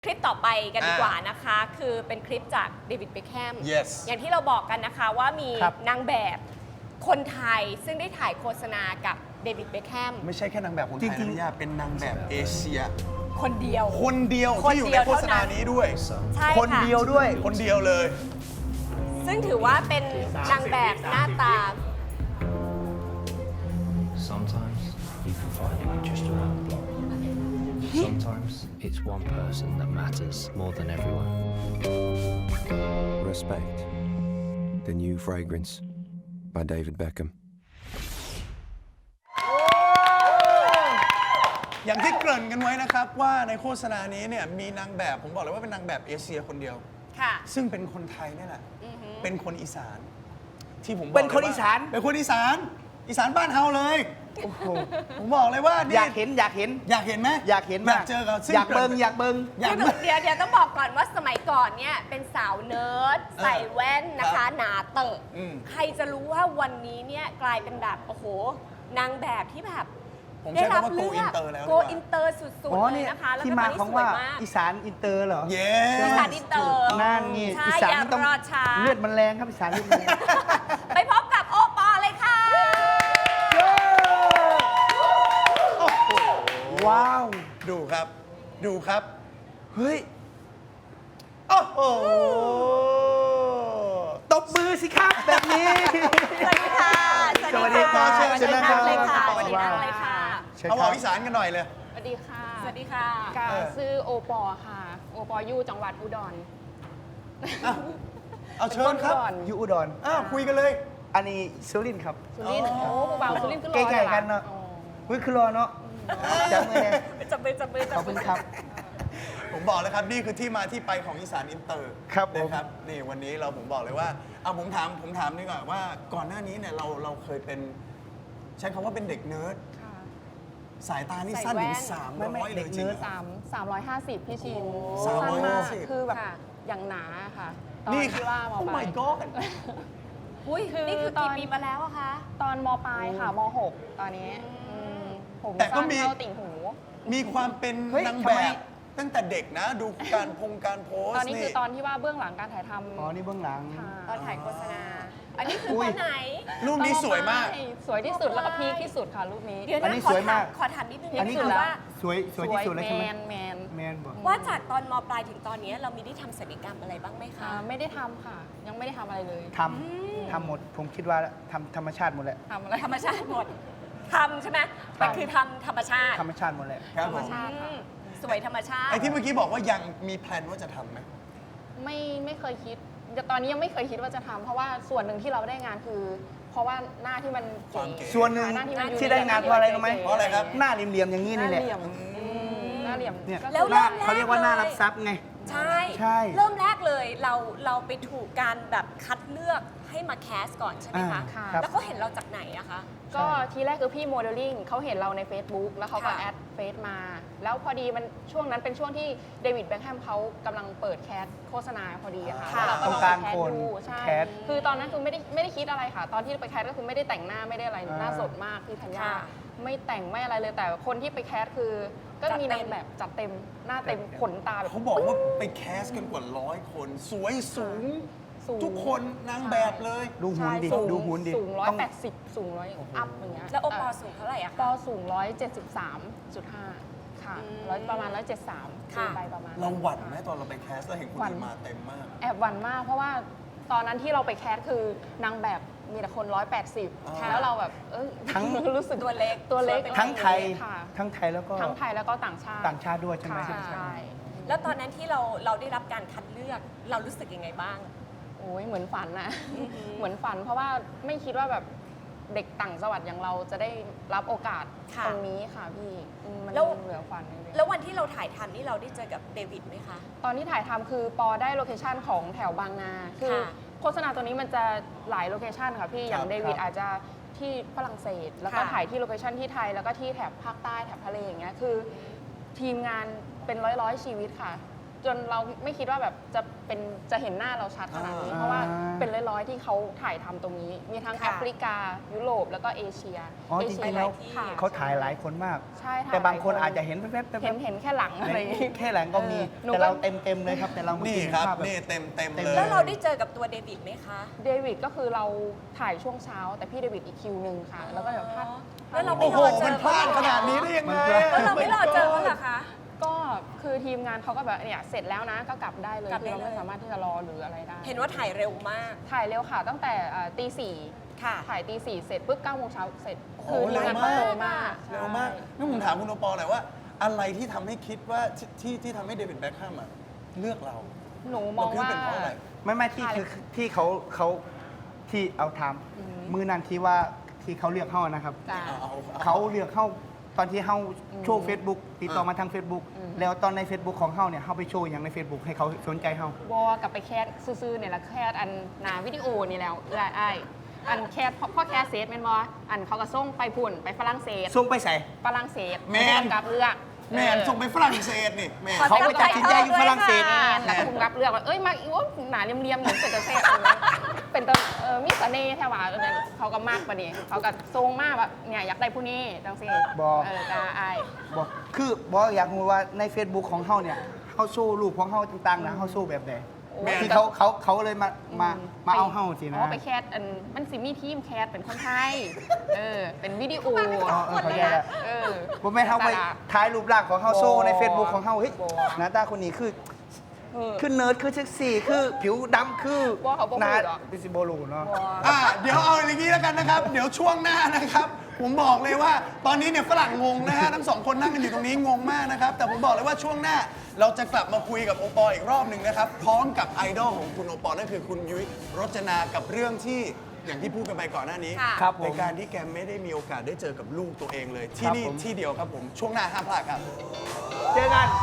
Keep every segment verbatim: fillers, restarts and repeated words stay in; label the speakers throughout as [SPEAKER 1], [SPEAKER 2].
[SPEAKER 1] คลิปต่อไปกันดีกว่านะคะ คือเป็นคลิปจากเดวิดเบคแฮม
[SPEAKER 2] yes
[SPEAKER 1] อย่างที่เราบอกกันนะคะว่ามี
[SPEAKER 3] ครับ
[SPEAKER 1] นางแบบคนไทยซึ่งได้ถ่ายโฆษณากับเดวิดเบคแฮม
[SPEAKER 2] ไม่ใช่แค่นางแบบคนไทย
[SPEAKER 3] จริงๆ
[SPEAKER 2] นะย่าเป็นนางแบบเอเชีย
[SPEAKER 1] คนเดียว
[SPEAKER 2] คนเดียว
[SPEAKER 1] คน
[SPEAKER 2] ที่อยู่
[SPEAKER 1] เดี
[SPEAKER 2] ใน
[SPEAKER 1] ยว
[SPEAKER 2] โฆษณา
[SPEAKER 1] เท่านั้น
[SPEAKER 2] นี้ด้วย
[SPEAKER 1] ใช่
[SPEAKER 3] คน
[SPEAKER 1] ค่ะ
[SPEAKER 3] เดียวด้วย
[SPEAKER 2] คนเดียวเลย
[SPEAKER 1] ซึ่งถือว่าเป็นนางแบบหน้าตา
[SPEAKER 4] Sometimes you can find it just around the block. Sometimes it's one person that matters more than everyone.
[SPEAKER 5] Respect. The New Fragrance by David Beckham.
[SPEAKER 2] อย่างที่เกริ่นกันไว้นะครับว่าในโฆษณานี้เนี่ยมีนางแบบผมบอกเลยว่าเป็นนางแบบเอเชียคนเดียว
[SPEAKER 1] ค่ะ
[SPEAKER 2] ซึ่งเป็นคนไทยนี่แหละเป็นคนอีสาน ที่ผมบอก
[SPEAKER 3] เป็นคน
[SPEAKER 2] ลยว่
[SPEAKER 3] อีสาน
[SPEAKER 2] เป็นคนอีสานอีสานบ้านเฮาเลยผมบอกเลยว่านี่
[SPEAKER 3] อยากเห็นอยากเห็น
[SPEAKER 2] อยากเห็นไหม
[SPEAKER 3] อยากเห็น
[SPEAKER 2] อยากเจอกับซึ่
[SPEAKER 3] อยากเบิงอยากเบิง
[SPEAKER 2] อยาก
[SPEAKER 1] คือเดี๋ยวเดี๋ยวต้องบอกก่อนว่าสมัยก่อนเนี่ยเป็นสาวเนิร์ดใส่แว่นนะ
[SPEAKER 2] ครั
[SPEAKER 1] คะ
[SPEAKER 2] บ
[SPEAKER 1] หนาเตอะ
[SPEAKER 2] อืม
[SPEAKER 1] ใครจะรู้ว่าวันนี้เนี่ยกลายเป็นแบบโอ้โหนางแบบที่แบบ
[SPEAKER 2] ผม
[SPEAKER 1] ได้
[SPEAKER 2] ใช้
[SPEAKER 1] รับ
[SPEAKER 2] คำว่า
[SPEAKER 1] เลื
[SPEAKER 2] go
[SPEAKER 1] อก
[SPEAKER 2] inter แล้ว
[SPEAKER 1] โก
[SPEAKER 2] ดีกว่า
[SPEAKER 1] อินเตอร์สุด
[SPEAKER 3] อ๋อ
[SPEAKER 1] ๆเล
[SPEAKER 3] นี่
[SPEAKER 1] ยนะคะแล้ว
[SPEAKER 3] ที่
[SPEAKER 1] ก็ต
[SPEAKER 3] มา
[SPEAKER 1] อนนี้
[SPEAKER 3] ของ
[SPEAKER 1] สว
[SPEAKER 3] ว่าย
[SPEAKER 1] มาก
[SPEAKER 3] อีสานอินเตอร์เหรอ
[SPEAKER 2] เย้
[SPEAKER 1] อีสานอินเตอร์
[SPEAKER 3] นั่นนี่
[SPEAKER 1] ใช่
[SPEAKER 3] อีสาน
[SPEAKER 1] อย่า
[SPEAKER 3] มันต้อง
[SPEAKER 1] รอช้า
[SPEAKER 3] เลือดมันแรงครับอีสานเลือดมันแรง
[SPEAKER 1] ไปพบกับโอปอเลยค่ะ
[SPEAKER 3] ว้าว
[SPEAKER 2] ดูครับ ดูครับ
[SPEAKER 3] เฮ้ย
[SPEAKER 2] โอ้โห
[SPEAKER 3] ตบมือสิครับแบบนี้
[SPEAKER 1] สวัสดีค่ะ
[SPEAKER 3] สวัสดีครับ
[SPEAKER 1] สวัสดี
[SPEAKER 3] เชิญนั่ง
[SPEAKER 1] เลยค่ะ
[SPEAKER 3] ครับ
[SPEAKER 1] สวัสดีนั่งเลยค่ะ
[SPEAKER 3] เชิญ
[SPEAKER 2] เอา
[SPEAKER 3] ค
[SPEAKER 2] บ
[SPEAKER 3] รั
[SPEAKER 2] อบ กอีสานกันหน่อยเลย
[SPEAKER 6] สวัสดีค่ะ
[SPEAKER 1] สวัสดีค่ะ
[SPEAKER 6] กา
[SPEAKER 2] เออ
[SPEAKER 6] ซื้อโอปอค่ะ โอปออยู่จังหวัดอุดร
[SPEAKER 2] เอาเชิญครับ
[SPEAKER 6] เป็นนอุดร
[SPEAKER 3] อยู่อุดร
[SPEAKER 2] อ้าวคุยกันเลย
[SPEAKER 3] อันนี้สุรินทร์ครับ
[SPEAKER 6] สุรินทร์
[SPEAKER 2] อ๋อ
[SPEAKER 6] โอ้ผู้บ่าวสุรินทร์ก็รอ
[SPEAKER 3] ใกล้ๆกันเนอะ
[SPEAKER 6] อ๋อ
[SPEAKER 3] อุ้ยคือรอเนาะจับมือเนี่ย
[SPEAKER 1] จับมือจับมือจั
[SPEAKER 3] ขอบคุณครับ
[SPEAKER 2] ผมบอกแล้วครับ นี่คือที่มาที่ไปของอีสานอินเตอร์
[SPEAKER 3] ครับผม
[SPEAKER 2] นะครับนี่วันนี้เราผมบอกเลยว่าเอาผมถามผมถามดีกว่าว่าก่อนหน้านี้เนี่ยเราเราเคยเป็น ใช้คำว่าเป็นเด็กเนิร์ด
[SPEAKER 6] ค่ะ
[SPEAKER 2] สายตานี่สั้นถึงสาม
[SPEAKER 3] ไม่
[SPEAKER 2] ร้
[SPEAKER 3] ไม่
[SPEAKER 2] อยเล
[SPEAKER 3] เด็
[SPEAKER 2] ย
[SPEAKER 3] ก
[SPEAKER 2] จริง
[SPEAKER 3] เนิร์ด
[SPEAKER 2] เหรอ
[SPEAKER 6] สามสามร้อยห้าสิบพี่ชิน
[SPEAKER 2] สามร้อย
[SPEAKER 6] สั้นมาก
[SPEAKER 2] ห้าสิบ
[SPEAKER 6] คือแบบ
[SPEAKER 1] ค่ะ
[SPEAKER 6] อย่างหนาค่ะ ตอน
[SPEAKER 2] นี่
[SPEAKER 6] ที่ว่าม
[SPEAKER 2] โอ้
[SPEAKER 6] ปลาย
[SPEAKER 2] my god
[SPEAKER 1] อุ้ย
[SPEAKER 6] คือ
[SPEAKER 1] นี่คือ
[SPEAKER 6] ตอ
[SPEAKER 1] กี่
[SPEAKER 6] น
[SPEAKER 1] ปีมาแล้วอะคะ
[SPEAKER 6] ตอนมปลายค่ะมหกตอนนี้อืมผม
[SPEAKER 2] แต่ก็
[SPEAKER 6] สั้น
[SPEAKER 2] มี
[SPEAKER 6] เท่าติ่งหู
[SPEAKER 2] มีความเป็น
[SPEAKER 3] เฮ้ย
[SPEAKER 2] นาง
[SPEAKER 3] ทำ
[SPEAKER 2] แบ
[SPEAKER 3] ไม
[SPEAKER 2] บตั้งแต่เด็กนะ ดูการพงการโพส
[SPEAKER 6] ตอน
[SPEAKER 2] ต์
[SPEAKER 6] นี้
[SPEAKER 2] นี่
[SPEAKER 6] คือตอนที่ว่าเบื้องหลังการถ่ายทำ
[SPEAKER 3] อ๋อ นี่เบื้องหลัง
[SPEAKER 6] ค่ะ
[SPEAKER 1] ตอนถ่ายโฆษณา อันนี้คือ
[SPEAKER 3] อุ้
[SPEAKER 1] ต
[SPEAKER 3] ย
[SPEAKER 1] อนไหน
[SPEAKER 2] รูปนี้สวยมาก
[SPEAKER 6] ใช่สวยที่สุดแล้วก็พีคที่สุดค่ะรูปนี้
[SPEAKER 1] เดี๋ยว
[SPEAKER 3] อัน
[SPEAKER 1] นะ
[SPEAKER 3] นี้
[SPEAKER 1] ขอ
[SPEAKER 3] สวย
[SPEAKER 1] ถาม
[SPEAKER 3] าก
[SPEAKER 1] ขอถามนิดนึง
[SPEAKER 3] อันนี้
[SPEAKER 1] คื
[SPEAKER 3] คือ
[SPEAKER 1] อว่า
[SPEAKER 3] สวยสวยที่สุดแล้ว
[SPEAKER 6] แม
[SPEAKER 3] ใช่ไหม
[SPEAKER 6] นแมน
[SPEAKER 3] แมนบอก
[SPEAKER 1] ว่าจากตอนมปลายถึงตอนนี้เรามีได้ทำศัลยกรรมอะไรบ้างไหมคะ
[SPEAKER 6] อ่าไม่ได้ทำค่ะ ยังไม่ได้ทำอะไรเลย
[SPEAKER 3] ทำทำหมด ผมคิดว่าทำธรรมชาติหมดแหละ
[SPEAKER 6] ทำอะไร
[SPEAKER 1] ธรรมชาติหมดทำใช่ไหมมันคือทำธรรมชาติ
[SPEAKER 3] ธรรมชาติหมดแหละ
[SPEAKER 2] ครับ
[SPEAKER 6] ธร
[SPEAKER 2] ผ
[SPEAKER 6] รม
[SPEAKER 2] ม
[SPEAKER 6] ชาติค่ะ
[SPEAKER 1] อืมสวยธรรมชาติ
[SPEAKER 2] ไอ้ที่เมื่อกี้บอกว่ายังมีแพลนว่าจะทำไหม
[SPEAKER 6] ไม่ไม่เคยคิดแต่ตอนนี้ยังไม่เคยคิดว่าจะทำเพราะว่าส่วนหนึ่งที่เราได้งานคือ เพราะว่าหน้าที่มัน
[SPEAKER 2] ความเก๋
[SPEAKER 3] ส่วนหนึ่ง
[SPEAKER 6] หน้าที่มัน
[SPEAKER 3] ที่ได้งานเพราะอะไรรู้ไหม
[SPEAKER 2] เพราะอะไรครับ
[SPEAKER 3] หน้าเหลี่ยมๆอย่างนี้
[SPEAKER 6] หน้า
[SPEAKER 3] นี่แหละ
[SPEAKER 6] เหลี่ยมอืมหน้าเหลี่ยม
[SPEAKER 3] เนี่ย
[SPEAKER 6] ก็
[SPEAKER 1] แล้ว
[SPEAKER 3] หน้า
[SPEAKER 1] เริ่มแรก
[SPEAKER 3] เขาเรียกว่าหน้า
[SPEAKER 1] เลย
[SPEAKER 3] รับทรัพย์ไง
[SPEAKER 1] ใช่
[SPEAKER 3] ใช่
[SPEAKER 1] เริ่มแรกเลยเราเราไปถูกการแบบคัดเลือกให้มาแคสก่อนใช่ไหมคะ
[SPEAKER 3] อ่า
[SPEAKER 6] ค่ะ
[SPEAKER 3] ครับ
[SPEAKER 1] แล้วเขาเห็นเราจากไหนอะคะ
[SPEAKER 6] ก็ทีแรกคือพี่โมเดลลิ่งเขาเห็นเราใน Facebook แล้วเขาก็
[SPEAKER 1] ค่ะ
[SPEAKER 6] แอดเฟซมา แล้วพอดีมันช่วงนั้นเป็นช่วงที่เดวิดแบ็คแฮมเขากำลังเปิดแคสโฆษณาพอดีอะค่ะ
[SPEAKER 1] ค่ะ
[SPEAKER 6] แล้วเราก็
[SPEAKER 3] ต้อง
[SPEAKER 6] ลอง
[SPEAKER 3] การ
[SPEAKER 6] ไปแคส
[SPEAKER 3] คน
[SPEAKER 6] ดูใช่
[SPEAKER 3] แคส
[SPEAKER 6] คือตอนนั้นคือไม่ได้ไม่ได้คิดอะไรค่ะ ตอนที่ไปแคสก็คือไม่ได้แต่งหน้าไม่ได้อะไร
[SPEAKER 3] อ่า
[SPEAKER 6] หน้าสดมากพี่ธัญญา
[SPEAKER 1] ค่ะ
[SPEAKER 6] ไม่แต่งไม่อะไรเลยแต่คนที่ไปแคสคือ ก็
[SPEAKER 1] จัด
[SPEAKER 6] มี
[SPEAKER 1] เต็
[SPEAKER 6] นาม งแบบจัดเต็มหน้าเต็มขนตาแบบ
[SPEAKER 2] เขาบอกว่าไปแคสกันกว่าร้อยคน สวยสูง
[SPEAKER 6] สูง
[SPEAKER 2] ทุกคนนางแบบเลย
[SPEAKER 3] ดูหุ่นดิ
[SPEAKER 6] ใช่สูง
[SPEAKER 3] ดูหุ่นดิ
[SPEAKER 6] สูงร้อย
[SPEAKER 3] ต้อง
[SPEAKER 6] แปดสิบสูงร้อยอัพอย่างเงี้ย
[SPEAKER 1] แล้วโอปอสูงเท่าไหร่อะ
[SPEAKER 6] ป
[SPEAKER 1] คะ
[SPEAKER 6] อสูงร้อยเจ็ดสิบสามจุดห้าค่ะ
[SPEAKER 1] อืม
[SPEAKER 6] ร้อยประมาณร้อยเจ็ดสาม
[SPEAKER 1] ค่ะ
[SPEAKER 6] ไปประมาณ
[SPEAKER 2] เราหวั่นไหมตอนเราไปแคสแล้วเห็นคน
[SPEAKER 6] หวั่น
[SPEAKER 2] อื่นมาเต็มมาก
[SPEAKER 6] แอบหวั่นมาก เพราะว่าตอนนั้นที่เราไปแคสคือนางแบบมีแต่คนร้อยแปดสิบ
[SPEAKER 2] ค่ะ
[SPEAKER 6] แล้วเราแบบเออ
[SPEAKER 3] ทั้ง
[SPEAKER 6] รู้สึก
[SPEAKER 1] ตัวเล็ก
[SPEAKER 6] ตัวเล็ก
[SPEAKER 3] ทั้งไทย
[SPEAKER 6] ค่ะ
[SPEAKER 3] ทั้งไทยแล้วก็
[SPEAKER 6] ทั้งไทยแล้วก็ต่างชาติ
[SPEAKER 3] ต่างชาติด้วยใช่ไหม
[SPEAKER 6] ค่ะใช่
[SPEAKER 1] แล้วตอนนั้นที่เราเราได้รับการคัดเลือกเรารู้สึกยังไงบ้าง
[SPEAKER 6] โอ้ยเหมือนฝันนะ
[SPEAKER 1] อือหือ
[SPEAKER 6] เหมือนฝันเพราะว่าไม่คิดว่าแบบเด็กต่างจังหวัดอย่างเราจะได้รับโอกาส
[SPEAKER 1] ค่ะ
[SPEAKER 6] ตรงนี้ค่ะพี่อืมมัน
[SPEAKER 1] แล้ว
[SPEAKER 6] เหลือฝันจริงๆ
[SPEAKER 1] แล้ววันที่เราถ่ายทำนี่เราได้เจอกับเดวิดไหมคะ
[SPEAKER 6] ตอนที่ถ่ายทำคือปอได้โลเคชันของแถวบางนา คือ
[SPEAKER 1] ค่ะ
[SPEAKER 6] โฆษณาตัวนี้มันจะหลายโลเคชันค่ะพี่ อย่าง
[SPEAKER 2] ครับ
[SPEAKER 6] เดวิด
[SPEAKER 3] ครับ
[SPEAKER 6] อาจจะที่ฝรั่งเศส แล้วก็
[SPEAKER 1] ค่ะ
[SPEAKER 6] ถ่ายที่โลเคชันที่ไทย แล้วก็ที่แถบภาคใต้แถบทะเลอย่างเงี้ย คือทีมงานเป็นร้อยร้อยๆชีวิตค่ะจนเราไม่คิดว่าแบบจะเป็นจะเห็นหน้าเราชัดขนาดนี้
[SPEAKER 3] อ่า
[SPEAKER 6] เพราะว่าเป็นร้อยๆที่เขาถ่ายทำตรงนี้ มีทั้ง
[SPEAKER 1] ค่ะ
[SPEAKER 6] แอฟริกา ยุโรปแล้วก็เอเชีย
[SPEAKER 3] อ๋อ
[SPEAKER 6] เอ
[SPEAKER 3] จ
[SPEAKER 6] เชีย
[SPEAKER 3] ริงๆแล้ว
[SPEAKER 6] ค่ะ
[SPEAKER 3] เขาถ่ายหลายคนมาก
[SPEAKER 6] ใช่ถ่ย
[SPEAKER 3] แต่บางคน
[SPEAKER 6] หลย
[SPEAKER 3] อาจจะเห็นแว๊บๆ
[SPEAKER 6] เห็นเห็นแค่หลังอะไรอย่างงี้
[SPEAKER 3] แค่หลังก็มี
[SPEAKER 6] เออหนู
[SPEAKER 3] แต่เรา
[SPEAKER 6] ก็
[SPEAKER 3] เต็มเต็มๆเลยครับ แต่เรา
[SPEAKER 2] นี่
[SPEAKER 3] เห็
[SPEAKER 2] ครับ
[SPEAKER 3] ภาพแ
[SPEAKER 2] นี่เต็มเต็ม
[SPEAKER 3] เต็ม
[SPEAKER 2] เลย
[SPEAKER 1] แล้วเราได้เจอกับตัวเดวิดไหมคะ
[SPEAKER 6] เดวิดก็คือเราถ่ายช่วงเช้า แต่พี่เดวิดอีกคิวหนึ่งค่ะ แล้วก็เดี๋ยวพลาด
[SPEAKER 1] แล้วเราไม่
[SPEAKER 2] โอ้โห
[SPEAKER 1] รอเจ
[SPEAKER 2] มัน
[SPEAKER 1] อ
[SPEAKER 2] พลาดขนาดนี้ได้ยังไง
[SPEAKER 1] แล้วเราไม่รอเจอเขาเหรอคะ
[SPEAKER 6] ก็คือทีมงานเขาก็แบบเนี่ยเสร็จแล้วนะก็กลับได้เลย
[SPEAKER 1] กลับ
[SPEAKER 6] คื
[SPEAKER 1] ได้
[SPEAKER 6] อเรา
[SPEAKER 1] เลย
[SPEAKER 6] ไม่สามารถที่จะรอหรืออะไรได้
[SPEAKER 1] เห็นว่าถ่ายเร็วมาก
[SPEAKER 6] ถ่ายเร็วค่ะตั้งแต่เอ่อตีสี่
[SPEAKER 1] ค่ะ
[SPEAKER 6] ถ่ายตีสี่เสร็จปุ๊บเก้าโมงเช้าเสร็จ
[SPEAKER 2] โอ้โห
[SPEAKER 6] ทีมงาน
[SPEAKER 2] เร็วมาก
[SPEAKER 6] เร็วมาก
[SPEAKER 2] เร็วมาก
[SPEAKER 6] ใช่
[SPEAKER 2] นี่ผมถามคุณโอปอลหน่อยว่า อะไรที่ทำให้คิดว่าที่ที่ที่ทำให้เดวิดแบ็คแฮมอะเลือกเรา
[SPEAKER 6] หนูมองว่า
[SPEAKER 2] เราคิดว่าเป็นเพราะอะไร
[SPEAKER 3] ไม่ไม่ที่
[SPEAKER 6] ถ่าย
[SPEAKER 3] คือที่เขาเขาที่เอาท
[SPEAKER 6] อืม
[SPEAKER 3] ำมือนั้นที่ว่าที่เขาเลือกเข้านะครับ
[SPEAKER 6] จ้ะ
[SPEAKER 2] เอาเอา
[SPEAKER 3] เขาเลือกเข้าตอนที่เข้า
[SPEAKER 6] อืม
[SPEAKER 3] โชว์ Facebook ติดต่อมาทาง Facebook
[SPEAKER 6] อืม
[SPEAKER 3] แล้วตอนใน Facebook ของเขาเนี่ยเขาไปโชว์อย่างใน Facebook ให้เขาสนใจเขา
[SPEAKER 6] บอกลับไปแคสซื้อๆเนี่ยละแคสอันหนาวิดีโอนี่แล้วเอื้อไอ้ายอันแคสพ่อแคสเซตแมนบออันเขาก็ส่งไปพุ่นไปฝรั่งเศส
[SPEAKER 3] ส่งไปใส่
[SPEAKER 6] ฝรั่งเศส
[SPEAKER 2] แม่น
[SPEAKER 6] กับเลือก
[SPEAKER 2] แมนส่งไปฝรั่งเศสนี่แมน
[SPEAKER 1] ขอ
[SPEAKER 3] เขาไปตัดสินใจอยู่ฝรั่งเศส
[SPEAKER 6] แมนแล้วก็คุมรับเลือกว่าเอ้ยมาอีว่าหนาเรียมๆเหมือนเป็นตะเซ่บเป็นตะเออมีเสน่ห์แท้ว่าเออเนี่ยเขาก็มากกว่านี้เขาก็ทรงมากแบบเนี่ยอยากได้ผู้นี้จังสิ
[SPEAKER 3] บอก
[SPEAKER 6] เออจ้าไอ้าย
[SPEAKER 3] บอกคือบอกอยากรู้ว่าใน Facebook ของเขาเนี่ยเขาโชว์รูปของเขาต่างๆนะเขาโชว์แบบไหน
[SPEAKER 6] โอ้ย
[SPEAKER 3] ที่เขาเขาเขาเลยมามามาเอาเฮาสินะ
[SPEAKER 6] อ๋อไปแคสอันมันสิมีทีมแคสเป็นคนไทย เออ เป็นวิดีโอ
[SPEAKER 3] อ๋อเออเข้าใจแล้ว
[SPEAKER 6] เออ
[SPEAKER 3] ผมไม่นเขาไปถ่ายรูปร่างของเขาโชว์ใน Facebook ของเขาเฮ้ย
[SPEAKER 6] บ่
[SPEAKER 3] หน้าตาคนนี้คือ
[SPEAKER 6] เออ
[SPEAKER 3] คือเนิร์ดคือเซ็กซี่คือผิวดำคือ
[SPEAKER 6] ว่าเขาบ่
[SPEAKER 3] หน้า
[SPEAKER 6] พูดหรอ
[SPEAKER 3] บิซิโบลูเนาะ
[SPEAKER 2] อ่ะเดี๋ยวเอาอย่างนี้แล้วกันนะครับ เดี๋ยวช่วงหน้านะครับ ผมบอกเลยว่าตอนนี้เนี่ยฝรั่งงงนะฮะทั้งสองคนนั่งกันอยู่ตรงนี้งงมากนะครับ แต่ผมบอกเลยว่าช่วงหน้าเราจะกลับมาคุยกับโอปอลอีกรอบหนึ่งนะครับ พร้อมกับไอดอลของคุณโอปอลนั่นคือคุณยุ้ยรจนากับเรื่องที่อย่างที่พูดกันไปก่อนหน้านี้
[SPEAKER 1] ค่ะ
[SPEAKER 3] ครับผม
[SPEAKER 2] ในการที่แกไม่ได้มีโอกาสได้เจอกับลูกตัวเองเลย ที่
[SPEAKER 3] ครับ
[SPEAKER 2] นี่
[SPEAKER 3] ผม
[SPEAKER 2] ที่เดียวครับผมช่วงหน้าห้ามพลาดครับ
[SPEAKER 3] เจอกัน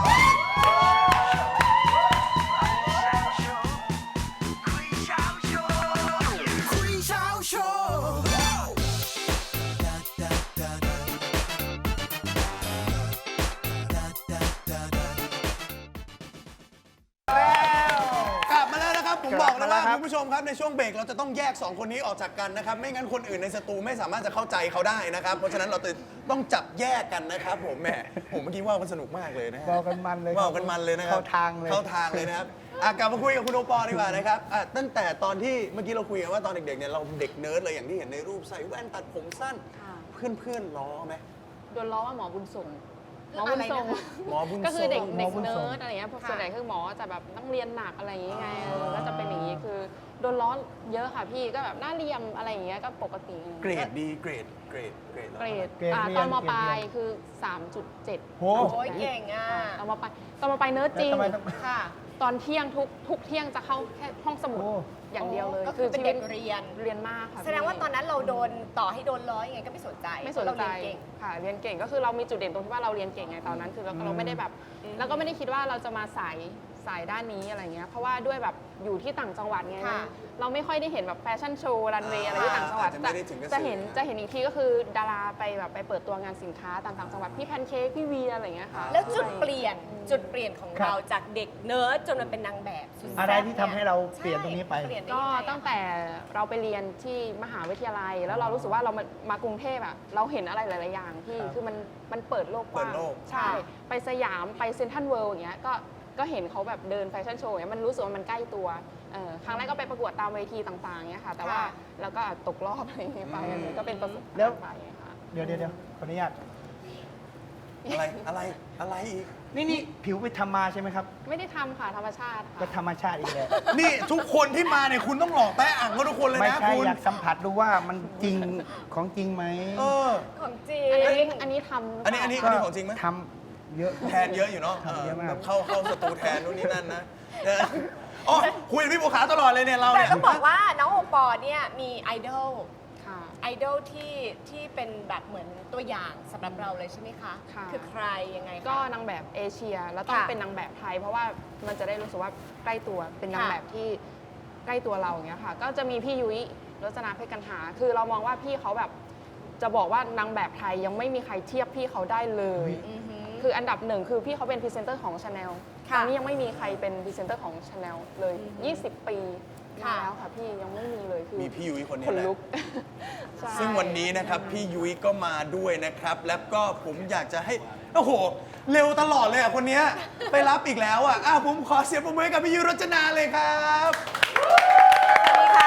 [SPEAKER 2] กลับมาแล้วนะครับ ผม
[SPEAKER 3] ก
[SPEAKER 2] บ
[SPEAKER 3] ลั
[SPEAKER 2] อบ กเลยว่า
[SPEAKER 3] มาแล้วครับ
[SPEAKER 2] คุณผู้ชมครับในช่วงเบรกเราจะต้องแยกสองคนนี้ออกจากกันนะครับ ไม่งั้นคนอื่นในสตูไม่สามารถจะเข้าใจเขาได้นะครับ เพราะฉะนั้นเราต้องจับแยกกันนะครับ ผมแหมผมเมื่อกี้ว่ามันสนุกมากเลยนะฮะ
[SPEAKER 3] เว้ากันมันเลยครับ
[SPEAKER 2] ว่ากันมันเลยนะครับ
[SPEAKER 3] เข้าทางเลย
[SPEAKER 2] เข้าทางเลยนะครับอ่ะกลับมาคุยกับคุณโอปอลดีกว่านะครับอ่ะตั้งแต่ตอนที่เมื่อกี้เราคุยกันว่าตอนเด็กๆเนี่ยเราเด็กเนิร์ดเลยอย่างที่เห็นในรูปใส่แว่นตัดผมสั้น
[SPEAKER 6] ค่ะ
[SPEAKER 2] เพื่อนๆล้อไหม
[SPEAKER 6] โดนล้อว่าหมอบุญส่งหมอบุญส่ง
[SPEAKER 2] หมอบุญ
[SPEAKER 6] ก็คือเด็ก
[SPEAKER 2] ส่ง
[SPEAKER 6] เด็ก
[SPEAKER 3] หมอบุญ
[SPEAKER 6] เนิ
[SPEAKER 3] ส่ง
[SPEAKER 6] ร์ดอะไรเงี้ย
[SPEAKER 1] ค่ะ
[SPEAKER 6] ส่วนใหญ่คือหมอจะแบบต้องเรียนหนักอะไรอย่างเงี้ยไง
[SPEAKER 2] อ๋อ
[SPEAKER 6] เออก็จะเป็นอย่างงี้คือโดนล้อเยอะค่ะพี่ก็แบบหน้าเรียมอะไรอย่างเงี้ยก็ปกติ
[SPEAKER 2] เกรดดีเกรดเกรดเกรด
[SPEAKER 6] เกรด
[SPEAKER 3] เกรด
[SPEAKER 6] อ่า
[SPEAKER 3] เรียน
[SPEAKER 6] ตอนม
[SPEAKER 3] เกรด
[SPEAKER 6] ปลาย
[SPEAKER 3] เรียน
[SPEAKER 6] คือ สามจุดเจ็ด
[SPEAKER 3] โห
[SPEAKER 1] โอ้ยเก่งอ่ะ
[SPEAKER 6] ตอนมปลายตอนมปลายเนิร์ดจริง
[SPEAKER 3] แล้วทำไมต้อง
[SPEAKER 6] ค่ะ ตอนเที่ยงทุกทุกเที่ยงจะเข้าแค่ห้องสมุด
[SPEAKER 3] โอ้
[SPEAKER 6] อย่างเดียวเลย
[SPEAKER 1] ก็คือเป็นเด็ก
[SPEAKER 6] ชีวิต
[SPEAKER 1] เรียน
[SPEAKER 6] เรียนมากค่ะ
[SPEAKER 1] แสดงว่าตอนนั้นเราโดนต่อให้โดนล้อยังไงก็ไม่สนใจ
[SPEAKER 6] ไม่สน
[SPEAKER 1] เรา
[SPEAKER 6] ใจ
[SPEAKER 1] เรียนเก่ง
[SPEAKER 6] ค่ะเรียนเก่งก็คือเรามีจุดเด่นตรงที่ว่าเราเรียนเก่งไงตอนนั้นคือเราเราไม่ได้แบบ
[SPEAKER 1] อืม
[SPEAKER 6] แล้วก็ไม่ได้คิดว่าเราจะมาสายสายด้านนี้อะไรเงี้ยเพราะว่าด้วยแบบอยู่ที่ต่างจังหวัดไง
[SPEAKER 1] ค่ะ
[SPEAKER 6] เราไม่ค่อยได้เห็นแบบแฟชั่นโชว์รันเวย์อะไรที่ต่างจังหวัด
[SPEAKER 2] อาจจะไม่ได้ถึงกับ
[SPEAKER 6] จะเห็น
[SPEAKER 2] สื่อ
[SPEAKER 6] จะเห็นอีกทีก็คือดาราไปแบบไปเปิดตัวงานสินค้าต่างจังหวัดพี่แพนเค้กพี่เวียอะไรเงี้ยค่ะ
[SPEAKER 1] แล้วจุดเปลี่ยนจุดเปลี่ยนของ
[SPEAKER 3] ครับ
[SPEAKER 1] เราจากเด็กเนิร์ดจนมันเป็นนางแบบสุดแซ่บ
[SPEAKER 3] อะไรที่ทำให้เราเปลี่ยนตรงนี้ไป
[SPEAKER 1] ใช่เปลี่ยนได้
[SPEAKER 6] ก็
[SPEAKER 1] ยังไงอะ
[SPEAKER 6] ตั้งแต่เราไปเรียนที่มหาวิทยาลัย แล้วเรารู้สึกว่าเรามามากรุงเทพอะเราเห็นอะไรหลาย ๆ อย่างที่
[SPEAKER 3] ครับ
[SPEAKER 6] คือมันมันเปิดโลกกว้าง
[SPEAKER 2] เปิดโลก
[SPEAKER 6] ใช่ ไปสยามไปเซ็นทรัลเวิลด์อย่างเงี้ยก็ก็เห็นเขาแบบเดินแฟชั่นโชว์อย่างเงี้ยมันรู้สึกว่ามันใกล้ตัวเออครั้งแรกก็ไปประกวดตามเวทีต่าง ๆเงี้ยค่ะ แต่ว่า
[SPEAKER 1] ค่ะ
[SPEAKER 6] แล้วก็ตกรอบอะไรอย่างเงี้ยไปอันนี้ก็เป็นประสบ
[SPEAKER 3] แล้
[SPEAKER 6] การ
[SPEAKER 3] ว
[SPEAKER 6] ณ์ไปค่ะ
[SPEAKER 3] เดี๋ยวเดี๋ยวเดี๋ยวขออนุญาต
[SPEAKER 2] อะไรอะไรอะไรอีก
[SPEAKER 3] นี่นี่ผิวไปทำมาใช่ไหมครับ
[SPEAKER 6] ไม่ได้ทำค่ะธรรมชาติ
[SPEAKER 3] ก็
[SPEAKER 6] ค่ะ
[SPEAKER 3] ธรรมชาติอีกแล้ว
[SPEAKER 2] นี่ทุกคนที่มาเนี่ยคุณต้องหลอกแต้อ่างเขาทุกคนเลย
[SPEAKER 3] ไม่
[SPEAKER 2] นะ
[SPEAKER 3] ใช่
[SPEAKER 2] คุณ
[SPEAKER 3] อยากสัมผัสดูว่ามันจริงของจริงไหม
[SPEAKER 2] เออ
[SPEAKER 1] ของจริง
[SPEAKER 6] อันนี้อันนี้ทำ
[SPEAKER 2] อันนี้อันนี้
[SPEAKER 3] ก็
[SPEAKER 2] ของจริงไหม
[SPEAKER 3] ทำเยอะ
[SPEAKER 2] แทนเยอะอยู่เนาะ
[SPEAKER 3] ทำเยอะมาก
[SPEAKER 2] แบบเข้าเข้าสตูแทนนู่นนี่นั่นนะเอออ๋อคุยกับพี่บัวขาวตลอดเลยเนี่ยเรา
[SPEAKER 1] แต่
[SPEAKER 2] เนี่ย
[SPEAKER 1] ต้องบอกว่าน้องโอปอล์เนี่ยมีไอดอล
[SPEAKER 6] ค่ะ
[SPEAKER 1] ไอดอลที่ที่เป็นแบบเหมือนตัวอย่างสำหรับเราเลยใช่ไหมคะ
[SPEAKER 6] ค่ะ
[SPEAKER 1] คือใครยังไงคะ
[SPEAKER 6] ก็นางแบบเอเชียแล้วต้อง
[SPEAKER 1] ค่ะ
[SPEAKER 6] เป็นนางแบบไทย เพราะว่ามันจะได้รู้สึกว่าใกล้ตัวเป็นนาง
[SPEAKER 1] ค่ะ
[SPEAKER 6] แบบที่ใกล้ตัวเราอย่างเงี้ยค่ะ ก็จะมีพี่ยุ้ยรจนาเพชรกันหา คือเรามองว่าพี่เขาแบบจะบอกว่านางแบบไทยยังไม่มีใครเทียบพี่เขาได้เลย
[SPEAKER 1] อือหือ
[SPEAKER 6] คืออันดับหนึ่งคือพี่เขาเป็นพรีเซนเตอร์ของ Chanel
[SPEAKER 1] ค่ะ
[SPEAKER 6] ตอนนี้ยังไม่มีใครเป็นพรีเซนเตอร์ของ Chanel เลย ยี่สิบ ปี
[SPEAKER 1] ค่ะ
[SPEAKER 6] มาแล้วค่ะพี่ยังไม่มีเลยคือ
[SPEAKER 2] มีพี่ยุ้ยคนนี้
[SPEAKER 6] ขน
[SPEAKER 2] แหละ
[SPEAKER 6] ลุก ใช่
[SPEAKER 2] ซึ่งวันนี้นะครับพี่ยุ้ยก็มาด้วยนะครับ แล้วก็ผมอยากจะให้ โอ้โห เร็วตลอดเลยอ่ะคนเนี้ยไปรับอีกแล้วอ่ะอ้าวผมขอเสียงปรบมือให้กับพี่ยุ้ยรจนาเลยครับ
[SPEAKER 1] สวัสดีค่ะ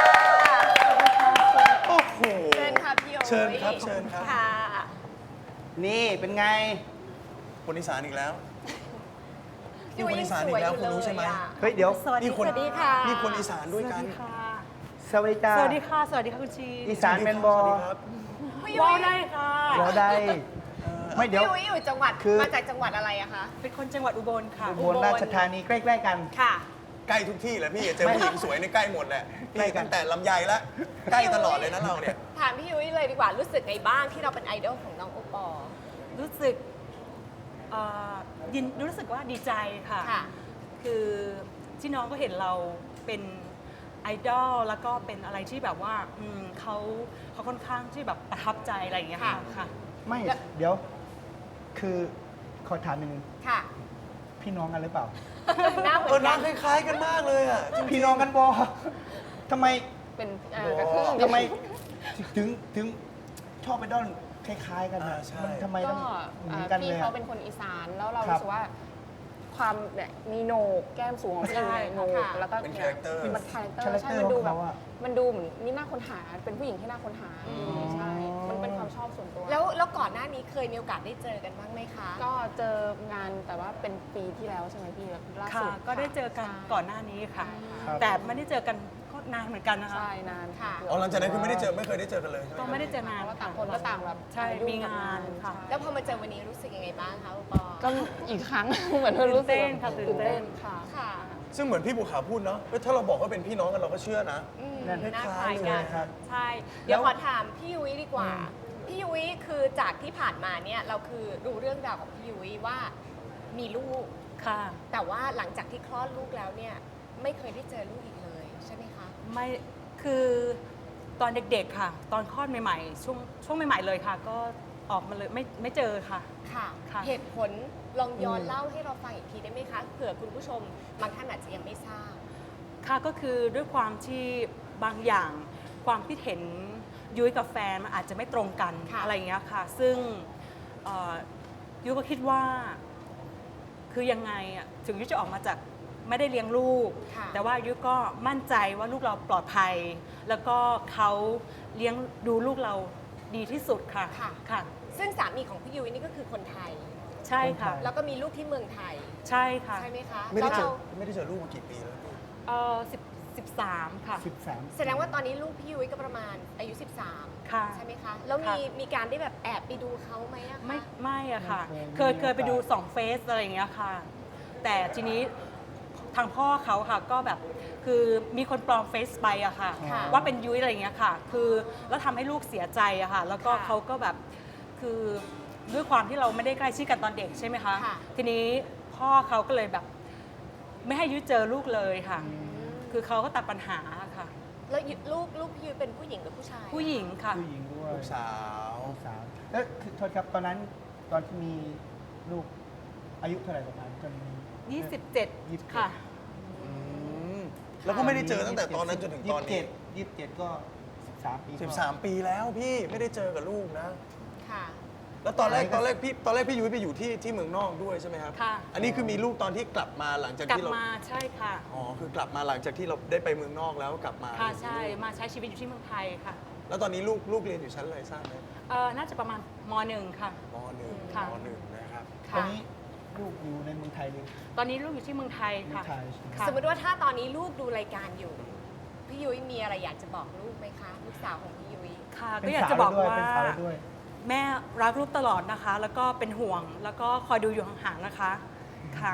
[SPEAKER 2] โอ้โห
[SPEAKER 1] เชิญค่ะพี่โอ๋
[SPEAKER 2] เชิญครับเชิญครับ
[SPEAKER 1] ค่ะ
[SPEAKER 3] นี่เป็นไง
[SPEAKER 2] คนอีสานอีกแล้ว
[SPEAKER 1] พี่ยุ้ย
[SPEAKER 2] คน
[SPEAKER 1] ยั
[SPEAKER 2] อี
[SPEAKER 1] ง
[SPEAKER 2] สาน
[SPEAKER 1] ส
[SPEAKER 2] อี
[SPEAKER 1] วย
[SPEAKER 2] กแล้ว
[SPEAKER 1] อยู่
[SPEAKER 2] คุณรู้
[SPEAKER 1] เล
[SPEAKER 2] ใช่
[SPEAKER 1] ย
[SPEAKER 2] ไหม
[SPEAKER 1] อะ
[SPEAKER 3] เฮ้ยเดี๋ยว
[SPEAKER 1] สวัสดี
[SPEAKER 2] นี่คน
[SPEAKER 1] สวัสดีค่ะ
[SPEAKER 2] นี่คนอีสานด้วยกัน
[SPEAKER 3] สวัสดีจ้า
[SPEAKER 7] สวัสดีค่ะ สวัสดีค่ะคุณชี
[SPEAKER 3] อีสานเป็นบอ
[SPEAKER 2] สวัสดีครับ
[SPEAKER 1] พี่ยุ้
[SPEAKER 7] ว้าวย ได้ค่ะ
[SPEAKER 3] บอได้ไม่เดี๋ยว
[SPEAKER 1] พี่ยุ้ยอยู่จังหวัด
[SPEAKER 3] คือ
[SPEAKER 1] มาจากจังหวัดอะไรอะคะ
[SPEAKER 7] เป็นคนจังหวัดอุบลค่ะ
[SPEAKER 3] อุบลราชธานีใกล้ๆกัน
[SPEAKER 1] ค่ะ
[SPEAKER 2] ใกล้ทุกที่แหละพี่เจอผู้หญิงสวยในใกล้หมดแหละ
[SPEAKER 3] ใกล้
[SPEAKER 2] พี่
[SPEAKER 3] กัน
[SPEAKER 2] ตั้งแต่ลำไยแล้วใกล้ตลอดเลยนะเราเนี่ย
[SPEAKER 1] ถามพี่ยุ้ยเลยดีกว่ารู้สึกไงบ้างที่เราเป็นไอดอลของน้องโอปอล์
[SPEAKER 7] รู้สึกเอ่อยินรู้สึกว่าดีใจค่ะ
[SPEAKER 1] ค่ะ
[SPEAKER 7] คือที่น้องก็เห็นเราเป็นไอดอลแล้วก็เป็นอะไรที่แบบว่าอืมเขาเขาค่อนข้างที่แบบประทับใจอะไรอย่างเงี้ยค่ะ
[SPEAKER 1] ค่ะ
[SPEAKER 7] ค่ะ
[SPEAKER 3] ไม่
[SPEAKER 1] แล้ว
[SPEAKER 3] เดี๋ยว คือขอถามหนึ่ง
[SPEAKER 1] ค่ะ
[SPEAKER 3] พี่น้องกันหรือเปล่า
[SPEAKER 1] หน้าเหมื
[SPEAKER 2] เอ
[SPEAKER 1] อ
[SPEAKER 2] อน ห
[SPEAKER 1] กั
[SPEAKER 2] น้าน คล้ายๆกันมากเลยอ่ะจริงๆ
[SPEAKER 3] พี่น้องกันบอทำไม
[SPEAKER 6] เป็นเอ่อกระทึ่ง
[SPEAKER 3] ทำไมถึงถึงชอบไปด้อนคล้าย ๆ กัน
[SPEAKER 2] อ่า
[SPEAKER 3] อะ
[SPEAKER 2] ใช่
[SPEAKER 3] มันทำไม
[SPEAKER 6] ก็
[SPEAKER 3] ต้องเหมื
[SPEAKER 6] เอ่
[SPEAKER 3] อน
[SPEAKER 6] อ
[SPEAKER 3] กันเล
[SPEAKER 6] พี่
[SPEAKER 3] ย
[SPEAKER 6] เขา
[SPEAKER 3] อะ
[SPEAKER 6] เป็นคนอีสานแล้วเรา
[SPEAKER 3] ครับ
[SPEAKER 6] รู้สึกว่าความเนี่ยมีโหนกแก้มสูงของพี่
[SPEAKER 7] ใช่
[SPEAKER 6] โหนก
[SPEAKER 1] ค่ะ
[SPEAKER 6] แล้วก็
[SPEAKER 2] เป็น
[SPEAKER 6] นี่ย
[SPEAKER 2] character
[SPEAKER 6] มันคาแรคเตอ
[SPEAKER 3] คาแร
[SPEAKER 6] ร์
[SPEAKER 3] ค
[SPEAKER 6] ใช่
[SPEAKER 3] เตอร์
[SPEAKER 6] มันดู
[SPEAKER 3] ของ
[SPEAKER 6] แบบ
[SPEAKER 3] เขาอะ
[SPEAKER 6] มันดูเหมือนนี่น่าค้นหาเป็นผู้หญิงที่น่าค้นหาใช่มันเป็นความชอบส่วนตัว
[SPEAKER 1] แล้วแล้วก่อนหน้านี้เคยมีโอกาสได้เจอกันบ้างไหมคะ
[SPEAKER 6] ก็เจองานแต่ว่าเป็นปีที่แล้วใช่ไหมพี่ล่า
[SPEAKER 7] ค่ะ
[SPEAKER 6] สุด
[SPEAKER 7] ก็ได้เจอกัน
[SPEAKER 6] ใช่
[SPEAKER 7] ก่อนหน้านี้ค่ะ
[SPEAKER 3] ครับ
[SPEAKER 7] แต่ไม่ได้เจอกันก็นานเหมือนกันนะคะ
[SPEAKER 6] ใช่นาน
[SPEAKER 1] ค่ะ
[SPEAKER 2] อ๋อหลังจากนั้นคือไม่ได้เจอไม่เคยได้เจอกันเลยใช่ไหม
[SPEAKER 7] ก็ไม่ได้เจอนาน
[SPEAKER 6] เพราะว่า
[SPEAKER 7] ค่ะ
[SPEAKER 6] ต่างคนก็ต่างแบบ
[SPEAKER 7] ใช่มีงานค่ะ
[SPEAKER 1] แล้วพอมาเจอวันนี้รู้สึกยังไงบ้างคะโอปอล์
[SPEAKER 6] ก็อีกครั้ง เหมือนเธอรู้สึก
[SPEAKER 7] ตื่นเต้นค่ะตื่นเต้น
[SPEAKER 6] ค่ะ
[SPEAKER 1] ค่ะ
[SPEAKER 2] ซึ่งเหมือนพี่บุขาวพูดเนาะเฮ้ยถ้าเราบอกว่าเป็นพี่น้องกันเราก็เชื่อนะ
[SPEAKER 1] อืม
[SPEAKER 3] นั่น
[SPEAKER 1] น่า
[SPEAKER 2] ค
[SPEAKER 1] ค
[SPEAKER 2] ล้า
[SPEAKER 1] ล้าย ย
[SPEAKER 2] ๆ
[SPEAKER 1] กัน
[SPEAKER 3] ครับ
[SPEAKER 7] ใช่
[SPEAKER 1] เดี๋ยว
[SPEAKER 7] แล้ว
[SPEAKER 1] ขอถามพี่ยุ้ยดีกว่า พี่ยุ้ยคือจากที่ผ่านมาเนี่ยเราคือรู้เรื่องราวของพี่ยุ้ยว่ามีลูก
[SPEAKER 7] ค่ะ
[SPEAKER 1] แต่ว่าหลังจากที่คลอดลูกแล้วเนี่ยไม่เคยได้เจอลูกอีกเลยใช่ไหมคะ
[SPEAKER 7] ไม่คือตอนเด็กๆค่ะ ตอนคลอดใหม่ๆ ช่วงช่วงใหม่ๆเลยค่ะ ก็ออกมาเลยไม่ไม่เจอค่ะ
[SPEAKER 1] ค่ะ
[SPEAKER 7] ค่ะ
[SPEAKER 1] เหตุผลลองย้อนเล่าให้เราฟังอีกทีได้ไหมคะเผื่อคุณผู้ชมบางท่านอาจจะยังไม่ทราบ
[SPEAKER 7] ค่ะก็คือด้วยความที่บางอย่างความคิดเห็นยุ้ยกับแฟนมันอาจจะไม่ตรงกัน
[SPEAKER 1] ค่ะ
[SPEAKER 7] อะไรอย่างเงี้ยค่ะ ซึ่งเอ่อยุ้ยก็คิดว่าคือยังไงอะถึงยุ้ยจะออกมาจากไม่ได้เลี้ยงลูก
[SPEAKER 1] ค่ะ
[SPEAKER 7] แต่ว่ายุ้ยก็มั่นใจว่าลูกเราปลอดภัย แล้วก็เขาเลี้ยงดูลูกเราดีที่สุดค่ะ
[SPEAKER 1] ค่ะ
[SPEAKER 7] ค่ะ
[SPEAKER 1] ซึ่งสามีของพี่ยุ้ยนี่ก็คือคนไทย
[SPEAKER 7] ใช่ค่ะ
[SPEAKER 1] แล้วก็มีลูกที่เมืองไทย
[SPEAKER 7] ใช่ค่ะ
[SPEAKER 1] ใช่ไหมคะ
[SPEAKER 2] ไม่ได้เจอ
[SPEAKER 1] แล้วรา
[SPEAKER 2] ไม่ได้เจอลูกมากี่ปีแล้วพี่
[SPEAKER 7] เออสิบสิบสามค่ะ
[SPEAKER 3] สิบสาม
[SPEAKER 1] แสดงว่าตอนนี้ลูกพี่ยุ้ยก็ประมาณอายุ สิบสาม
[SPEAKER 7] ค่ะ
[SPEAKER 1] ใช่ไหมคะ แล้วมี
[SPEAKER 7] ค่ะ
[SPEAKER 1] มีการได้แบบแอบไปดูเขาไหมอะคะ
[SPEAKER 7] ไม่ไม่อะค่ะ
[SPEAKER 3] ไม่
[SPEAKER 7] เค
[SPEAKER 3] เค
[SPEAKER 7] ย
[SPEAKER 3] ย
[SPEAKER 7] เคยไปดูสองเฟซอะไรอย่างเงี้ยค่ะ แต่ทีนี้ทางพ่อเขาค่ะก็แบบคือมีคนปลอมเฟซไปอะค่ะ
[SPEAKER 1] ค่ะ
[SPEAKER 7] ว่าเป็นยุ้ยอะไรอย่างเงี้ยค่ะ คือแล้วทำให้ลูกเสียใจอะค่ะ แล้วก็
[SPEAKER 1] ค่ะ
[SPEAKER 7] เขาก็แบบคือด้วยความที่เราไม่ได้ใกล้ชิดกันตอนเด็กใช่ไหมคะ
[SPEAKER 1] ค่ะ
[SPEAKER 7] ทีนี้พ่อเขาก็เลยแบบ ไม่ให้ยุ้ยเจอลูกเลยค่ะ คือเขาก็ตัดปัญหาค่ะ
[SPEAKER 1] แล้วยุลูกลูกพี่ยุ้ยเป็นผู้หญิงหรือผู้ชาย
[SPEAKER 7] ผู้หญิงค่ะ
[SPEAKER 3] ผู้หญิงด้วย
[SPEAKER 2] ลูกสาว
[SPEAKER 3] ลูกสาวแล้วคือโทษครับตอนนั้นตอนที่มีลูกอายุเท่าไหร่ประมาณจน
[SPEAKER 7] ยี่สิบเจ็ด
[SPEAKER 3] ยี่สิบเจ็ด
[SPEAKER 7] ค่ะ
[SPEAKER 2] อืมแล้วก็ไม่ได้เจอตั้งแต่ตอนนั้นจนถึงตอนนี้
[SPEAKER 3] ยี่สิบเจ็ดก็สิบสามปี
[SPEAKER 2] สิบสามปีแล้วพี่ไม่ได้เจอกับลูกนะ
[SPEAKER 1] ค่ะ
[SPEAKER 2] แล้วตอนแรกตอนแรกพี่ตอนแรกพี่ยุ้ยไปอยู่ที่ที่เมืองนอกด้วยใช่ไหมครับ
[SPEAKER 7] ค่ะ
[SPEAKER 2] อันนี้คือมีลูกตอนที่กลับมาหลังจาก
[SPEAKER 7] กลับ
[SPEAKER 2] ที่เรา
[SPEAKER 7] มาใช่ค่ะ
[SPEAKER 2] อ๋อคือกลับมาหลังจากที่เราได้ไปเมืองนอกแล้วกลับมา
[SPEAKER 7] ค่ะใช่มาใช้ชีวิตอยู่ที่เมืองไทยค่ะ
[SPEAKER 2] แล้วตอนนี้ลูกลูกเรียนอยู่ชั้นอะไรทราบไหม
[SPEAKER 7] เออน่าจะประมาณมหนึ่งค่ะ
[SPEAKER 2] มหนึ่ง
[SPEAKER 7] ค่ะ
[SPEAKER 2] มหนึ่งนะครับ
[SPEAKER 3] ตอนนี้ลูกอยู่ในเมืองไทยเลย
[SPEAKER 7] ตอนนี้ลูกอยู่ที่เมืองไทยค่ะ
[SPEAKER 3] เมืองไทยใช่ไหม
[SPEAKER 7] ค่ะ
[SPEAKER 1] สมมติว่าถ้าตอนนี้ลูกดูรายการอยู่ พี่ยุ้ยมีอะไรอยากจะบอกลูกไหมคะ ลูกสาวของพี่ยุ้ย
[SPEAKER 7] ค่ะ
[SPEAKER 3] เป็
[SPEAKER 7] ก็
[SPEAKER 3] น
[SPEAKER 7] อยาก
[SPEAKER 3] สาว
[SPEAKER 7] จะบอก
[SPEAKER 3] ด้วย
[SPEAKER 7] ว่า
[SPEAKER 3] เป็นสาวด้วย
[SPEAKER 7] แม่รักลูกตลอดนะคะ แล้วก็เป็นห่วงแล้วก็คอยดูอยู่ห่างๆนะคะค่ะ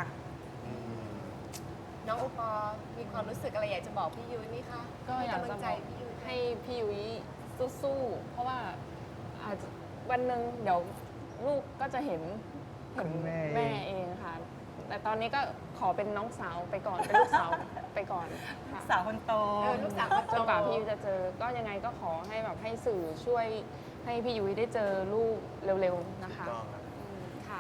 [SPEAKER 1] น้องโอปอล์มีความรู้สึกอะไรอยากจะบอกพี่ยุ้ยไหมคะ
[SPEAKER 6] ก็อยาก
[SPEAKER 1] ให้ำลั
[SPEAKER 6] จะ
[SPEAKER 1] ง
[SPEAKER 6] บ
[SPEAKER 1] ใจ
[SPEAKER 6] อก
[SPEAKER 1] พี่ยุ้ย
[SPEAKER 6] ให้พี่ยุ้ยสู้ๆ เพราะว่าอาจจะวันหนึ่งเดี๋ยวลูกก็จะเห็นเห็น
[SPEAKER 3] คุณแม่
[SPEAKER 6] แม่เองค่ะ แต่ตอนนี้ก็ขอเป็นน้องสาวไปก่อน เป็นลูกสาวไปก่อนค่ะ
[SPEAKER 7] สาวคนโต
[SPEAKER 1] เออลูกสาวคน
[SPEAKER 6] จ
[SPEAKER 1] โต
[SPEAKER 6] นกว่าพี่ยุ้ยจะเจอ ก็ยังไงก็ขอให้แบบให้สื่อช่วยให้พี่ยุ้ยได้เจอลูกเร็วๆนะคะ
[SPEAKER 2] ต้องครับ
[SPEAKER 1] อืมค่ะ
[SPEAKER 2] จะ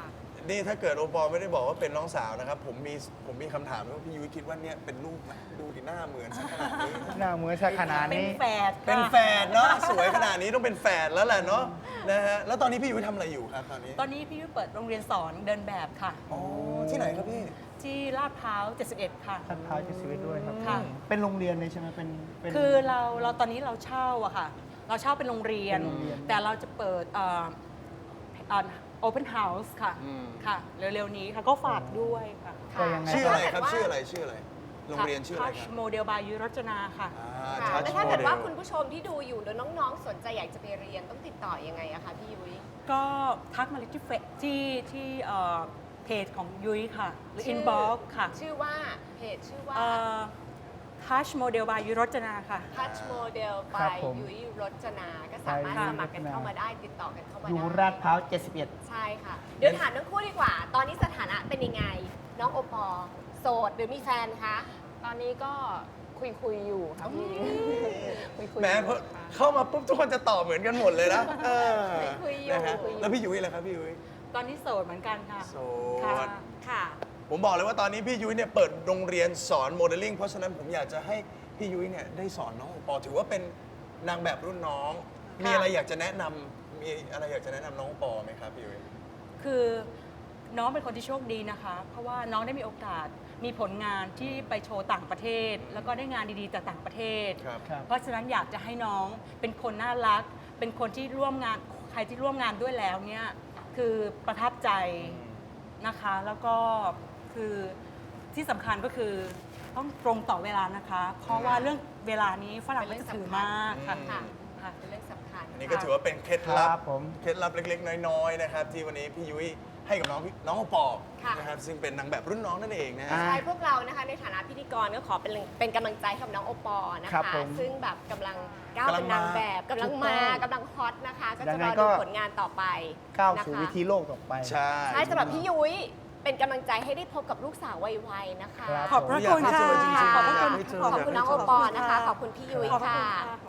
[SPEAKER 2] นี่ถ้าเกิดโอปอล์ไม่ได้บอกว่าเป็นน้องสาวนะครับ ผมมีผมมีคำถามว่าพี่ยุ้ยคิดว่าเนี่ยเป็นลูกไหมดูดิหน้าเหมือนสักขนาดนี้
[SPEAKER 3] หน้าเหมือนสักขนาด
[SPEAKER 7] เป็น
[SPEAKER 3] นี้
[SPEAKER 7] แฝด
[SPEAKER 2] เป็น
[SPEAKER 7] ค่ะ
[SPEAKER 2] แฝดเนาะสวยขนาดนี้ต้องเป็นแฝดแล้วแหละเนาะนะฮะแล้วตอนนี้พี่ยุ้ยทำอะไรอยู่ครับตอนนี้
[SPEAKER 7] ตอนนี้พี่ยุ้ยเปิดโรงเรียนสอนเดินแบบค่ะ
[SPEAKER 2] อ๋อที่ไหนครับพี่
[SPEAKER 7] ที่ลาดพร้าวเจ็ดสิบเอ็ดค่ะ
[SPEAKER 3] ท่านพาวจะชีวิตด้วยครับ
[SPEAKER 7] ค่ะ
[SPEAKER 3] เป็นโรงเรียนเลยใช่ไหมเป็นเป็น
[SPEAKER 7] คือเราเราตอนนี้เราเช่าอะค่ะ เราเช่าเป็นโรงเรียน
[SPEAKER 3] เป็นโรงเรียน
[SPEAKER 7] แต่เราจะเปิดโอเพนเฮาส์ค่ะ
[SPEAKER 2] อืม
[SPEAKER 7] ค่ะ เร็วๆนี้ค่ะก็ฝากด้วยค่ะ
[SPEAKER 3] ก็ยังไง
[SPEAKER 2] ชื่ออะไรครับ
[SPEAKER 1] แล้วถ้าเกิดว่า
[SPEAKER 2] ชื่ออะไรชื่ออะไรโรงเรียนชื่ออะไรครับ
[SPEAKER 7] โมเดลบายยุรจนาค่ะ
[SPEAKER 2] อ่า
[SPEAKER 1] ค่ะ
[SPEAKER 2] Touch
[SPEAKER 1] แล้วถ้าเกิดว่า
[SPEAKER 2] Model
[SPEAKER 1] คุณผู้ชมที่ดูอยู่หรือน้องๆ สนใจอยากจะไปเรียนต้องติดต่อยังไงอะคะพี่ยุ้ย
[SPEAKER 7] ก็ทักมาเลยที่เฟซที่ที่เอ่อเพจของยุ้ยค่ะ หรืออินบ็อกค่ะ
[SPEAKER 1] ชื่อว่าเพจชื่อว่า
[SPEAKER 7] ทัชโมเดลบายยุรจนาค่ะ
[SPEAKER 1] Touch Model
[SPEAKER 3] ครับ
[SPEAKER 1] by
[SPEAKER 3] ผม
[SPEAKER 1] ยุ้ยรจนา ก็สามารถ
[SPEAKER 3] ไป
[SPEAKER 1] สมัครกัน
[SPEAKER 3] ยุ้ยรจนา
[SPEAKER 1] เข้ามาได้ติดต่อกันเข้ามา
[SPEAKER 3] อยู่
[SPEAKER 1] ได้
[SPEAKER 3] ราดพร้าวเจ็ดสิบเอ็ด
[SPEAKER 1] ใช่ค่ะ เดี๋ยวถามทั้งคู่ดีกว่า ตอนนี้สถานะเป็นยังไง น้องโอปอล์โสดหรือมีแฟนคะ
[SPEAKER 6] ตอนนี้ก็คุยคุยๆอยู่ค่ะพี่คุยคุยๆ
[SPEAKER 2] แหม้
[SPEAKER 6] อยู่
[SPEAKER 2] พอ
[SPEAKER 6] ค่ะ
[SPEAKER 2] เข้ามาปุ๊บทุกคนจะตอบเหมือนกันหมดเลยนะเออ
[SPEAKER 1] คุยอยู่
[SPEAKER 2] นะฮะ
[SPEAKER 1] คุยอยู่
[SPEAKER 2] แล้วพี่ยุ้ยล่ะครับพี่ยุ้ย
[SPEAKER 7] ตอนนี้โสดเหมือนกันค่ะ
[SPEAKER 2] โส
[SPEAKER 7] ค่ะ
[SPEAKER 2] ด
[SPEAKER 1] ค่ะ
[SPEAKER 2] ผมบอกเลยว่าตอนนี้พี่ยุ้ยเนี่ยเปิดโรงเรียนสอนโมเดลลิ่งเพราะฉะนั้นผมอยากจะให้พี่ยุ้ยเนี่ยได้สอนน้องโอปอล์ถือว่าเป็นนางแบบรุ่นน้อง มีอะไรอยากจะแนะนำมีอะไรอยากจะแนะนำน้องโอปอล์ไหมครับพี่ยุ้ย
[SPEAKER 7] คือน้องเป็นคนที่โชคดีนะคะ เพราะว่าน้องได้มีโอกาสมีผลงานที่ไปโชว์ต่างประเทศ แล้วก็ได้งานดีๆจากต่างประเทศ
[SPEAKER 2] ครับ
[SPEAKER 3] ครับ
[SPEAKER 7] เพราะฉะนั้นอยากจะให้น้องเป็นคนน่ารัก เป็นคนที่ร่วมงานใครที่ร่วมงานด้วยแล้วเนี่ยคือประทับใจนะคะ แล้วก็คือที่สำคัญก็คือต้องตรงต่อเวลานะคะ เพราะว่าเรื่องเวลานี้ฝรั่งก็จะถือมากค่ะ
[SPEAKER 2] อืม
[SPEAKER 1] ค่ะ
[SPEAKER 7] ค่ะ
[SPEAKER 1] เป็นเรื่องสำคัญ
[SPEAKER 2] อันนี้ก็ถือว่าเป็นเคล็ดลั
[SPEAKER 3] ครับ บผม
[SPEAKER 2] เคล็ดลับเล็ก ๆ น้อยๆนะครับที่วันนี้พี่ยุ้ยให้กับน้องพี่น้องโอปอล์
[SPEAKER 1] ค่ะ
[SPEAKER 2] นะครับซึ่งเป็นนางแบบรุ่นน้องนั่นเองนะฮะ
[SPEAKER 3] อ่า
[SPEAKER 1] ใช่พวกเรานะคะในฐานะพิธีกรก็ขอเป็นเป็นกำลังใจให้กับน้องโอปอล์นะ
[SPEAKER 3] ครั
[SPEAKER 1] คะ
[SPEAKER 3] บผม
[SPEAKER 1] ซึ่งแบบกำลังก้าวเป็นนางแบบกำลัง
[SPEAKER 3] ถูก
[SPEAKER 1] มา
[SPEAKER 3] ต้อง
[SPEAKER 1] กำลังฮอตนะคะ ก็
[SPEAKER 3] ยั
[SPEAKER 1] จะ
[SPEAKER 3] ง
[SPEAKER 1] ร
[SPEAKER 3] ไง
[SPEAKER 1] อ
[SPEAKER 3] ก็
[SPEAKER 1] ดูผลงานต่อไป
[SPEAKER 3] ก้าว
[SPEAKER 1] นะคะ
[SPEAKER 3] สู่วิธีโลกต่อไป
[SPEAKER 2] ใช่
[SPEAKER 1] ใช่สำหรับพี่ยุ้ยเป็นกำลังใจให้ได้พบกับลูกสาวไวๆนะคะ
[SPEAKER 3] ครับ
[SPEAKER 7] ขอบพระคุณ
[SPEAKER 2] อยากให้เจอจริงๆ
[SPEAKER 7] ค่ะ
[SPEAKER 1] ขอบพระคุณ
[SPEAKER 2] อยากให้เจอ
[SPEAKER 1] ขอบคุณน้องโอปอล์นะคะ ขอบคุณพี่ยุ้ย
[SPEAKER 7] ขอบพระ
[SPEAKER 1] ค่ะ
[SPEAKER 7] คุณค่ะ